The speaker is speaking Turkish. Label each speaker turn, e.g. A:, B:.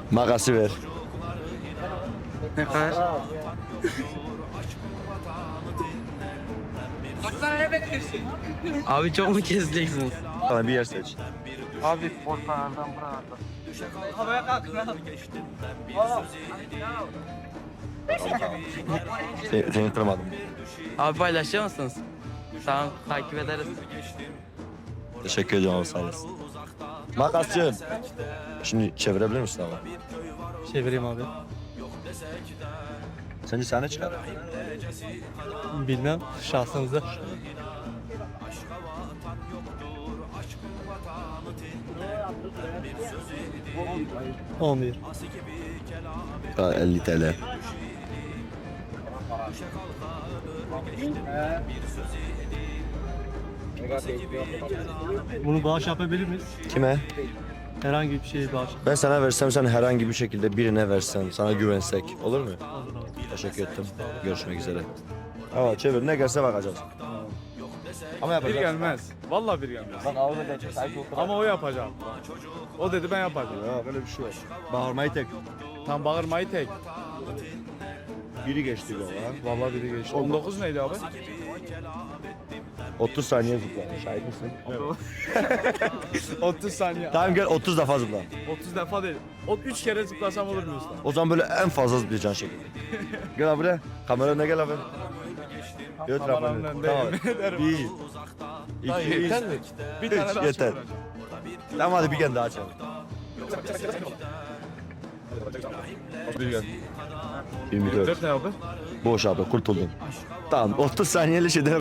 A: Makası ver.
B: Ne kadar? Abi çok mu keseceksiniz?
A: Bana bir yer seç.
B: Abi ortalardan buralardan. Havaya kalk.
A: Seni tanımadım.
B: Abi paylaşıyor musunuz? Tamam takip ederiz.
A: Teşekkür ediyorum abi, sağ olasın. Makasçı. Şimdi çevirebilir misin abi?
C: Çevireyim abi.
A: Sence sahne çıkar.
C: Bilmem şahsınıza. Olmuyor.
A: 50 TL.
C: Bunu bağış yapabilir miyiz?
A: Kime?
C: Herhangi bir şeye bağış.
A: Ben sana versem, sen herhangi bir şekilde birine versen, sana güvensek olur mu?
C: Olur abi.
A: Teşekkür ettim. Görüşmek üzere. Evet, çevir, ne gelse bakacağız. Ama
D: Bir
A: yapacağız.
D: gelmez. Vallahi bir gelmez.
A: Bak ağzına gelecek, sahip otur.
D: Ama o yapacak. O dedi ben yapacağım.
A: Ya böyle bir şey yok. Bağırmayı tek.
D: Tam bağırmayı tek.
A: Biri geçti baba.
D: Vallahi biri geçti. 19 neydi abi?
A: 30 saniye zıpla. Şahit misin?
D: 30 saniye.
A: Tamam gel 30 defa zıpla.
D: 30 defa değil. O 3 kere zıplasam olur mu usta?
A: O zaman böyle en fazla zıplayacaksın şekilde. Gel abi buraya. Kamera önüne gel abi. Göt
D: Kameranın
A: rafanı.
D: önündeyim.
A: Tamam.
D: Ederim.
A: 1
D: Daha
A: 2
D: yeter mi? Bir tane daha
A: yeter.
D: çıkaracağım.
A: Tamam hadi bir kere daha açalım.
D: Bir gel.
A: 24.
D: 4 ne abi?
A: Boş abi kurtuldun. Tamam 30 saniyeli şeyden